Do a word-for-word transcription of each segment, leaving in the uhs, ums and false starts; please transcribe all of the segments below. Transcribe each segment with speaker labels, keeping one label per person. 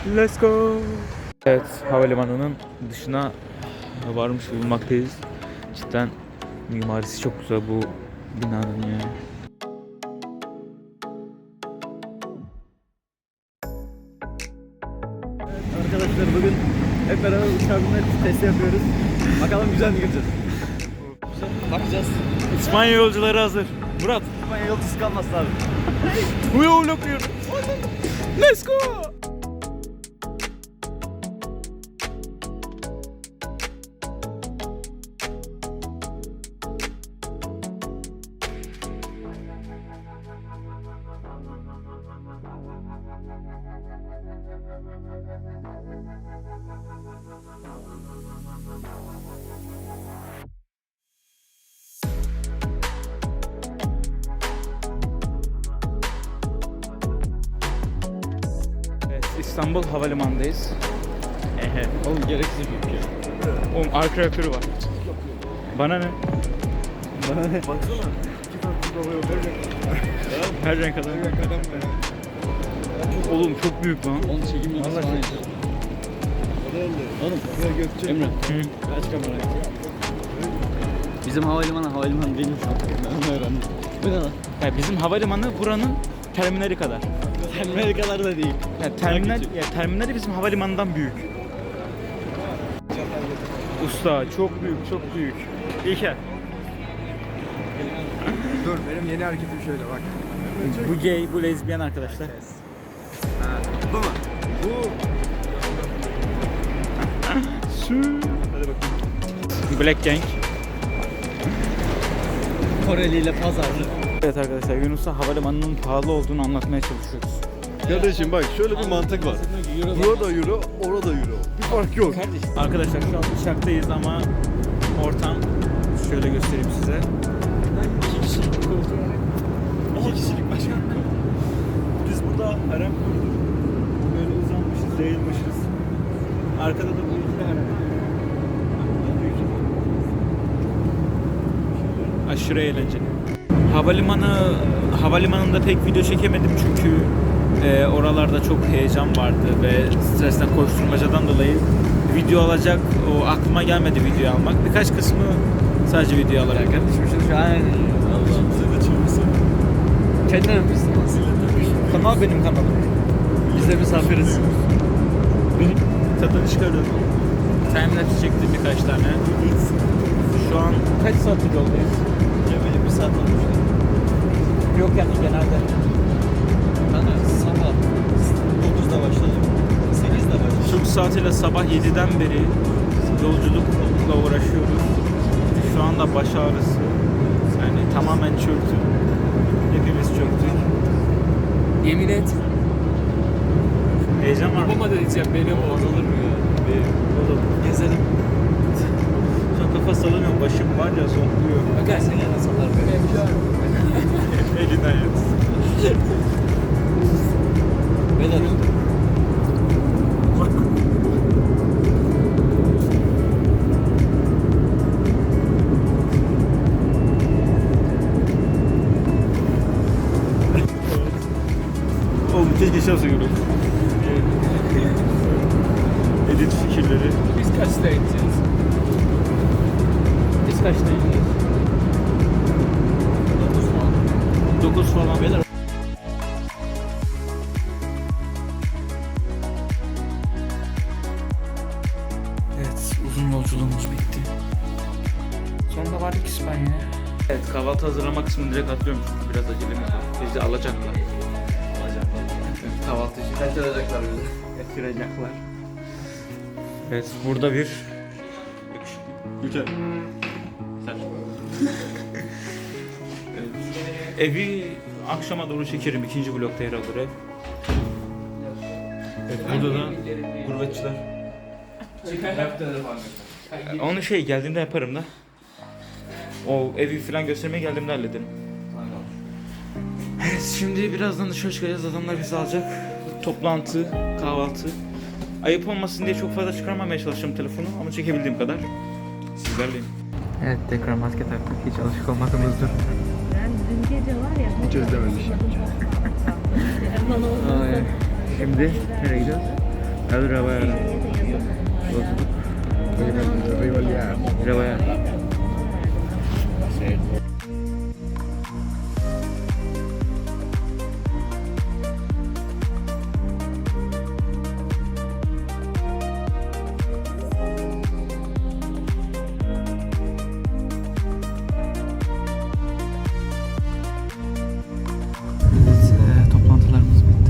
Speaker 1: Let's go. Evet, havalimanının dışına varmış bulunmaktayız. Cidden mimarisi çok güzel bu binanın ya.
Speaker 2: Arkadaşlar bugün hep beraber uçağa binme testi yapıyoruz. Bakalım güzel mi gireceğiz? Bakacağız.
Speaker 1: İspanya yolcuları hazır. Murat.
Speaker 2: İspanya yolcusu kalmasın abi.
Speaker 1: Bu yol okuyor. Let's go. Evet, İstanbul Havalimanı'ndayız. Ehe.
Speaker 2: Oğlum gereksiz büyük ya.
Speaker 1: Oğlum arka reaktörü var. Bana ne?
Speaker 2: Bana ne? Baksana. İki farklı oluyor.
Speaker 1: Her renk adam.
Speaker 2: Her renk adam be.
Speaker 1: Oğlum çok büyük lan.
Speaker 2: Onu çekimli bir sahne. Oğlum Gökçe. Emre.
Speaker 1: Hı.
Speaker 2: Kaç kamera? Bizim havalimanı havalimanı değil mi? Ben onu öğrendim. Bu ne lan?
Speaker 1: Ya bizim havalimanı buranın terminali kadar.
Speaker 2: Terminal kadar da değil.
Speaker 1: Ya terminal ya terminali bizim havalimanından büyük. Usta çok büyük, çok büyük. İlker.
Speaker 3: Dur benim yeni hareketim şöyle bak.
Speaker 1: Bu gay, bu lezbiyen arkadaşlar.
Speaker 3: Ha, bu mu? Bu.
Speaker 1: Su.
Speaker 3: Hadi bakayım.
Speaker 1: Black Gang.
Speaker 2: Koreli ile pazarlı.
Speaker 1: Evet arkadaşlar, Yunus'a havalimanının pahalı olduğunu anlatmaya çalışıyoruz.
Speaker 3: Kardeşim bak şöyle bir mantık var. Burada euro, orada euro. Bir fark yok.
Speaker 1: Arkadaşlar şu an uçaktayız ama ortam şöyle göstereyim size. İki kişilik koltuğu. İki kişilik başkan. Biz burada harem kurduk. Böyle uzanmışız, yayılmışız. Arkada da bu iki harem. Aşırı eğlenceli. Havalimanı havalimanında pek video çekemedim çünkü e, oralarda çok heyecan vardı ve stresten, koşturmacadan dolayı video alacak o aklıma gelmedi video almak. Birkaç kısmı sadece video alarak.
Speaker 2: Kardeşim şu şu an Allah'ım size de çılmışsın. Kendine misin?
Speaker 1: Kanal benim kanalım.
Speaker 2: Biz de misafiriz.
Speaker 1: Benim tadını çıkarıyorum. Timelapse çektim birkaç tane. Şu an kaç saattir yoldayız?
Speaker 2: Cemil'in bir saat olmuş.
Speaker 1: Yok yani genelde.
Speaker 2: Ben de sabah dokuzda başladım. sekizde başladım.
Speaker 1: Türk saatiyle sabah yediden beri yolculukla uğraşıyoruz. Şu anda baş ağrısı. Yani tamamen çöktüm. Hepimiz çöktük.
Speaker 4: Yemin et.
Speaker 1: Heyecan var mı?
Speaker 4: Babama da diyeceğim beni o.
Speaker 2: Olur mu ya?
Speaker 1: Oğlum
Speaker 2: Gezelim.
Speaker 1: şu an kafa sallamıyorum. Başım var ya zonkluyor.
Speaker 4: Bakarsın ya nasıl olur böyle.
Speaker 1: Elinden yat.
Speaker 2: Beyler.
Speaker 1: Oğlum keşke şey olsa görüyorum. Edit fikirleri.
Speaker 4: Biz kaçta gideceğiz?
Speaker 1: Biz kaçta gidiyoruz? dokuz falan. Beyler. Evet, uzun yolculuğumuz bitti. Sonunda vardık İspanya'ya. Evet, kahvaltı hazırlama kısmını direkt atlıyorum çünkü biraz acelemiz var. Bizi alacaklar. Alacaklar. Evet, kahvaltıcı.
Speaker 2: Kaçıracaklar bizi.
Speaker 1: Kaçıracaklar. Evet, burada bir
Speaker 3: Güzel.
Speaker 1: evi akşama doğru çekerim. İkinci blokta yer alır ev. Evet, burada da gurbetçiler. Onu şey geldiğimde yaparım da. O evi falan göstermeye geldiğimde hallederim. Evet, şimdi birazdan dışarı çıkacağız. Adamlar bizi alacak. Toplantı, kahvaltı. Ayıp olmasın diye çok fazla çıkarmamaya çalışacağım telefonu ama çekebildiğim kadar. Sizlerleyim. Evet, tekrar maske taktık. Hiç alışık olmadığımızdır.
Speaker 5: Ben dün gece var ya.
Speaker 3: Hiç özlememiş.
Speaker 5: Erman oldu.
Speaker 1: Şimdi nereye gidiyoruz? Hadi arabaya ara. Arabaya. Evet, toplantılarımız bitti.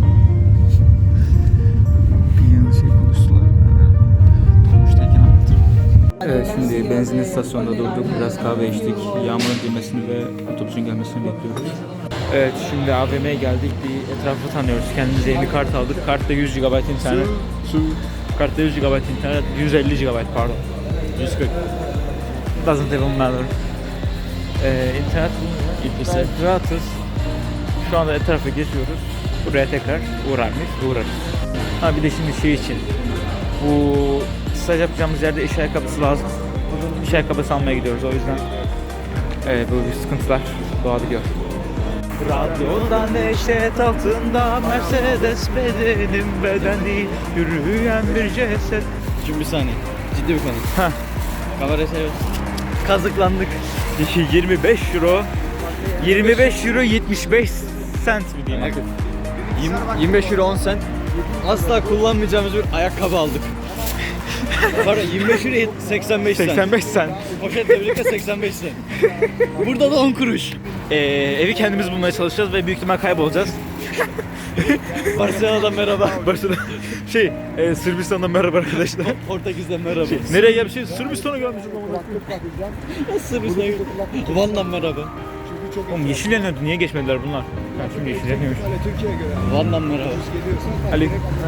Speaker 1: Bir yanlış şey konuştular. Dolmuştayken anlatırım. Evet, şimdi benzin istasyonunda durduk. Biraz kahve içtik. Yağmurun dinmesini ve otobüsün gelmesini bekliyoruz. Evet, şimdi A V M'ye geldik. Bir etrafı tanıyoruz. Kendimize yeni kart aldık. Kartta yüz gigabayt internet. Kartta yüz gigabayt internet. yüz elli gigabayt pardon. yüz kırk. Doesn't even matter. Ee, internet İpisi. Rahatız. Şu anda etrafı geziyoruz. Buraya tekrar uğrar mıyız? Uğrarız. Ha bir de şimdi şey için. Bu staj yapacağımız yerde iş ayakkabısı lazım. İş ayakkabısı almaya gidiyoruz o yüzden. Evet, bu sıkıntılar doğabiliyor. Radyoda neşet altında Mercedes bedenim beden değil yürüyen bir ceset.
Speaker 2: Şimdi bir saniye. Ciddi bir konu.
Speaker 1: Heh.
Speaker 2: Kamerayı seviyoruz.
Speaker 1: Kazıklandık. yirmi beş euro. yirmi beş euro yetmiş beş sent mi diyeyim artık.
Speaker 2: yirmi beş euro on sent. Asla kullanmayacağımız bir ayakkabı aldık. Pardon yirmi beş euro seksen beş sent.
Speaker 1: seksen beş sent.
Speaker 2: Poşetle birlikte seksen beş sent. Burada da on kuruş.
Speaker 1: Ee, evi kendimiz bulmaya çalışacağız ve büyük ihtimal kaybolacağız.
Speaker 2: Barcelona'dan merhaba.
Speaker 1: Barcelona şey, e, Sırbistan'dan merhaba arkadaşlar.
Speaker 2: Portekiz'den merhaba.
Speaker 1: Şey, nereye gelmişiz? Sırbistan'a gelmişiz ama.
Speaker 2: Sırbistan'a gittik. Van'dan merhaba.
Speaker 1: Oğlum yeşil yanıyordu. Niye geçmediler bunlar? Ben şimdi yeşil yanıyormuş.
Speaker 2: Van'dan merhaba.
Speaker 1: Ali.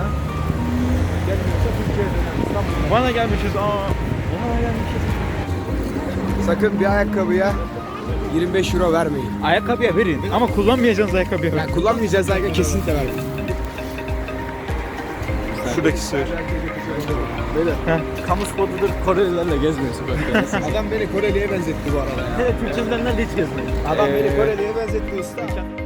Speaker 1: Van'a gelmişiz. Aa. Van'a gelmişiz.
Speaker 6: Sakın bir ayakkabıya yirmi beş euro vermeyin.
Speaker 1: Ayakkabıya verin ama kullanmayacağınız ayakkabıya verin.
Speaker 6: Yani kullanmayacağız ayakkabı kesinlikle vermeyin.
Speaker 1: Şuradaki sığır.
Speaker 6: Böyle
Speaker 1: Heh.
Speaker 2: Kamu spotudur. Korelilerle gezmiyor sokakta.
Speaker 6: adam beni Koreli'ye benzetti bu arada ya.
Speaker 2: Evet, Türkçemden nerede hiç gezmedim.
Speaker 6: Adam
Speaker 1: Ee,
Speaker 6: beni Koreli'ye benzetti usta.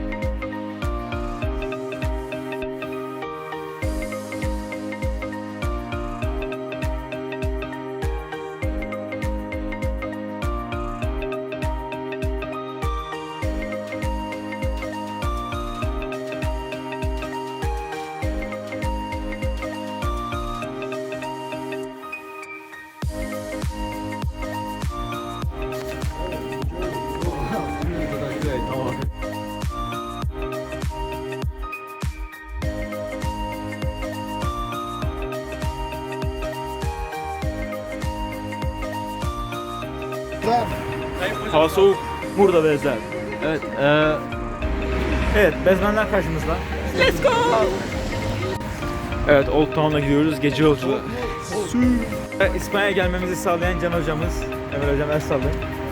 Speaker 1: Hava soğuk. Burada bezler.
Speaker 2: Evet. Ee,
Speaker 1: Evet, bezmenler karşımızda. Let's go! Evet, Old Town'a gidiyoruz. Gece yolculuğu. Ve İspanya'ya gelmemizi sağlayan Can hocamız. Emel hocam el sallayın.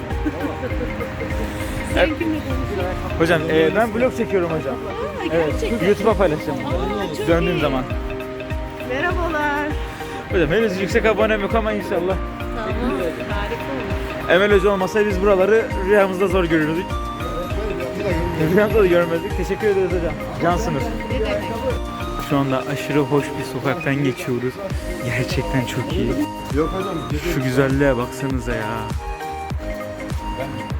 Speaker 1: Evet. Hocam, e, ben vlog çekiyorum hocam. Evet, YouTube'a paylaşacağım. Döndüğüm zaman.
Speaker 5: Merhabalar.
Speaker 1: Hocam henüz yüksek abonem yok ama inşallah.
Speaker 5: Tamam. Harika olur.
Speaker 1: Emel Hoca olmasaydı biz buraları rüyamızda zor görürdük. Rüyamızda da görmezdik. Teşekkür ederiz hocam. Cansınız. Şu anda aşırı hoş bir sokaktan geçiyoruz. Gerçekten çok iyi.
Speaker 3: Yok hocam.
Speaker 1: Şu güzelliğe baksanıza ya.